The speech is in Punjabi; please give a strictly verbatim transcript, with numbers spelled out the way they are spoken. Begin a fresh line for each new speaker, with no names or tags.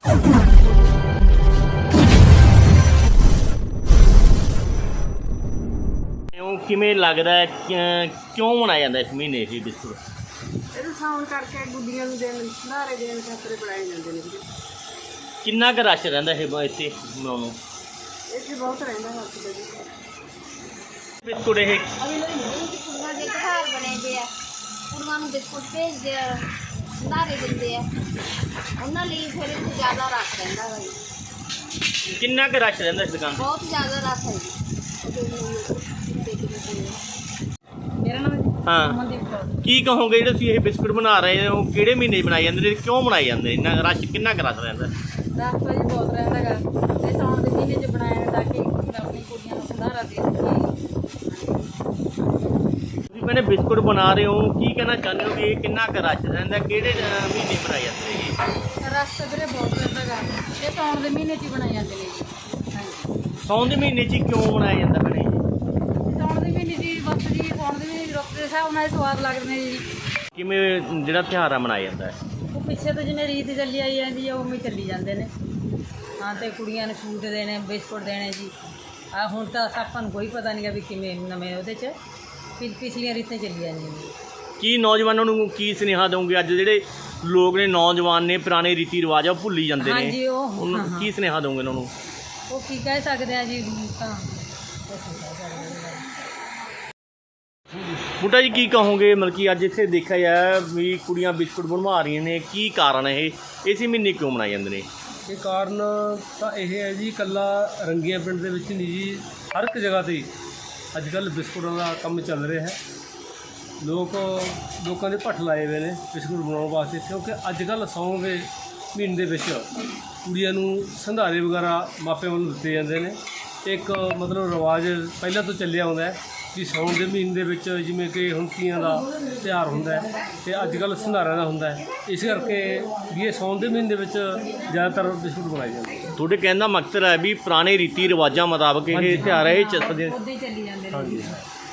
ਕਿਵੇਂ ਲੱਗਦਾ ਹੈ ਕਿਉਂ ਮਨਾਇਆ ਜਾਂਦਾ ਇਸ ਮਹੀਨੇ ਇਹ ਬਿਸਕੁਟ?
ਇਹਨੂੰ ਸਾਉਣ ਕਰਕੇ ਗੁੱਡੀਆਂ ਨੂੰ ਦੇਣ ਸਹਾਰੇ ਦੇਣ ਖਾਤਰ ਬਣਾਏ ਜਾਂਦੇ ਨੇ ਵੀਰੇ।
ਕਿੰਨਾ ਕੁ ਰਸ਼ ਰਹਿੰਦਾ ਇਹ ਇੱਥੇ ਬਣਾਉਣ ਨੂੰ?
ਇੱਥੇ ਬਹੁਤ ਰਹਿੰਦਾ ਹੱਥ ਦੇ ਜੀ
ਬਿਸਕੁਟ ਇਹ
ਕੁੜੀਆਂ ਦੇ ਘਰ ਬਣੇ ਦੇ ਆ, ਕੁੜੀਆਂ ਨੂੰ ਬਿਸਕੁਟ ਭੇਜਦੇ ਆ, ਸਹਾਰੇ ਦਿੰਦੇ ਆ, ਉਹਨਾਂ ਲਈ ਫਿਰ ਇੱਥੇ ਜ਼ਿਆਦਾ ਰਸ਼ ਰਹਿੰਦਾ ਵਾ ਜੀ।
ਕਿੰਨਾ ਕੁ ਰਸ਼ ਰਹਿੰਦਾ ਇਸ ਦੁਕਾਨ ਤੇ?
ਬਹੁਤ ਜ਼ਿਆਦਾ ਰਸ਼ ਹੈ ਜੀ।
ਮੇਰਾ ਨਾਮ
ਹਾਂ,
ਅਮਨਦੀਪ ਕੌਰ।
ਕੀ ਕਹੋਗੇ ਜਿਹੜੇ ਤੁਸੀਂ ਇਹ ਬਿਸਕੁਟ ਬਣਾ ਰਹੇ ਹੋ ਕਿਹੜੇ ਮਹੀਨੇ 'ਚ ਬਣਾਏ ਜਾਂਦੇ ਨੇ, ਕਿਉਂ ਬਣਾਏ ਜਾਂਦੇ ਇੰਨਾ ਰਸ਼ ਕਿੰਨਾ ਕੁ ਰਸ਼ ਰਹਿੰਦਾ?
ਰਸ਼ ਤਾਂ ਜੀ ਬਹੁਤ ਰਹਿੰਦਾ ਗਾ, ਤੇ ਸਾਉਣ ਦੇ ਮਹੀਨੇ 'ਚ ਬਣਾਇਆ ਤਾਂ ਕਿ ਆਪਣੀ ਕੁੜੀਆਂ ਨੂੰ ਸੰਧਾਰਾ ਦੇ ਸਕੀਏ।
ਤੁਸੀਂ ਮੈਨੇ ਬਿਸਕੁਟ ਬਣਾ ਰਹੇ ਹੋ, ਕੀ ਕਹਿਣਾ ਚਾਹੁੰਦੇ ਹੋ ਵੀ ਇਹ ਕਿੰਨਾ ਕੁ ਰਸ਼ ਰਹਿੰਦਾ, ਕਿਹੜੇ ਅਹ, ਮਹੀਨੇ ਬਣਾਏ ਜਾਂਦੇ ਨੇ ਇਹ?
ਰਸ਼ ਤਾਂ ਵੀਰੇ ਬਹੁਤ ਰਹਿੰਦਾ ਗਾ, ਇਹ ਸਾਉਣ ਦੇ ਮਹੀਨੇ 'ਚ ਹੀ ਬਣਾਏ ਜਾਂਦੇ ਨੇ ਜੀ। ਹਾਂਜੀ,
ਸਾਉਣ ਦੇ ਮਹੀਨੇ 'ਚ ਹੀ ਕਿਉਂ ਬਣਾਇਆ ਜਾਂਦਾ ਭੈਣੇ?
ਸਾਉਣ ਦੇ ਮਹੀਨੇ 'ਚ ਜੀ ਬਸ ਜੀ ਸਾਉਣ ਦੇ ਮਹੀਨੇ ਰੁੱਤ ਦੇ ਹਿਸਾਬ ਨਾਲ ਸਵਾਦ ਲੱਗਦੇ ਨੇ ਜੀ।
ਕਿਵੇਂ ਜਿਹੜਾ ਤਿਉਹਾਰ ਆ ਮਨਾਇਆ ਜਾਂਦਾ ਹੈ?
ਉਹ ਪਿੱਛੇ ਤੋਂ ਜਿਵੇਂ ਰੀਤ ਚੱਲੀ ਆਈ ਜਾਂਦੀ ਆ ਉਵੇਂ ਚੱਲੀ ਜਾਂਦੇ ਨੇ। ਹਾਂ, ਤੇ ਕੁੜੀਆਂ ਨੂੰ ਸੂਟ ਦੇਣੇ, ਬਿਸਕੁਟ ਦੇਣੇ ਜੀ। ਆ ਹੁਣ ਤਾਂ ਆਪਾਂ ਨੂੰ ਕੋਈ ਪਤਾ ਨਹੀਂ ਗਾ ਵੀ ਕਿਵੇਂ ਨਵੇਂ ਉਹਦੇ 'ਚ ਪਿ ਪਿਛਲੀਆਂ ਰੀਤਾਂ ਚੱਲੀ ਜਾਂਦੀਆਂ ਨੇ।
ਕੀ ਨੌਜਵਾਨਾਂ ਨੂੰ ਕੀ ਸੁਨੇਹਾ ਦਊਂਗੇ? ਅੱਜ ਜਿਹੜੇ ਲੋਕ ਨੇ ਨੌਜਵਾਨ ਨੇ ਪੁਰਾਣੇ ਰੀਤੀ ਰਿਵਾਜ ਆ ਉਹ ਭੁੱਲੀ ਜਾਂਦੇ ਨੇ,
ਹਾਂਜੀ, ਉਹ
ਉਹਨਾਂ ਨੂੰ ਕੀ ਸੁਨੇਹਾ ਦਊਂਗੇ ਉਹਨਾਂ ਨੂੰ?
ਉਹ ਕੀ ਕਹਿ ਸਕਦੇ ਆ ਜੀ, ਤਾਂ ਕੁਛ ਨਹੀਂ ਕਹਿ ਸਕਦੇ।
ਬੂਟਾ ਜੀ ਕੀ ਕਹੋਗੇ? ਮਤਲਬ ਕਿ ਅੱਜ ਇੱਥੇ ਦੇਖਿਆ ਜਾਏ ਵੀ ਕੁੜੀਆਂ ਬਿਸਕੁਟ ਬਣਵਾ ਰਹੀਆਂ ਨੇ, ਕੀ ਕਾਰਨ ਹੈ ਇਹ? ਇਸੇ ਮਹੀਨੇ ਕਿਉਂ ਮਨਾਏ ਜਾਂਦੇ ਨੇ?
ਇਹ ਕਾਰਨ ਤਾਂ ਇਹ ਹੈ ਜੀ, ਇਕੱਲਾ ਰੰਗੀਆਂ ਪਿੰਡ ਦੇ ਵਿੱਚ ਨਹੀਂ ਜੀ, ਹਰ ਇੱਕ ਜਗ੍ਹਾ 'ਤੇ ਅੱਜ ਕੱਲ੍ਹ ਬਿਸਕੁਟਾਂ ਦਾ ਕੰਮ ਚੱਲ ਰਿਹਾ ਹੈ। ਲੋਕ ਲੋਕਾਂ ਦੇ ਭੱਠ ਲਾਏ ਹੋਏ ਨੇ ਬਿਸਕੁਟ ਬਣਾਉਣ ਵਾਸਤੇ, ਕਿਉਂਕਿ ਅੱਜ ਕੱਲ੍ਹ ਸਾਉਣ ਦੇ ਮਹੀਨੇ ਦੇ ਵਿੱਚ ਕੁੜੀਆਂ ਨੂੰ ਸੰਧਾਰੇ ਵਗੈਰਾ ਮਾਪਿਆਂ ਵੱਲੋਂ ਦਿੱਤੇ ਜਾਂਦੇ ਨੇ। ਇੱਕ ਮਤਲਬ ਰਿਵਾਜ ਪਹਿਲਾਂ ਤੋਂ ਚੱਲਿਆ ਆਉਂਦਾ ਹੈ ਕਿ ਸਾਉਣ ਦੇ ਮਹੀਨੇ ਦੇ ਵਿੱਚ ਜਿਵੇਂ ਕਿ ਹੁਣ ਤੀਆਂ ਦਾ ਤਿਉਹਾਰ ਹੁੰਦਾ ਹੈ ਅਤੇ ਅੱਜ ਕੱਲ੍ਹ ਸੰਧਾਰਿਆਂ ਦਾ ਹੁੰਦਾ ਹੈ, ਇਸ ਕਰਕੇ ਵੀ ਇਹ ਸਾਉਣ ਦੇ ਮਹੀਨੇ ਦੇ ਵਿੱਚ ਜ਼ਿਆਦਾਤਰ ਬਿਸਕੁਟ ਬਣਾਏ ਜਾਂਦੇ ਨੇ।
ਤੁਹਾਡੇ ਕਹਿਣ ਦਾ ਮਕਸਦ ਹੈ ਵੀ ਪੁਰਾਣੇ ਰੀਤੀ ਰਿਵਾਜਾਂ ਮੁਤਾਬਕ ਇਹ ਤਿਉਹਾਰ ਹੈ, ਇਹ ਚੱਲਦੇ
ਉੱਦਾਂ ਹੀ ਚੱਲੀ ਜਾਂਦੇ ਨੇ।
ਹਾਂਜੀ।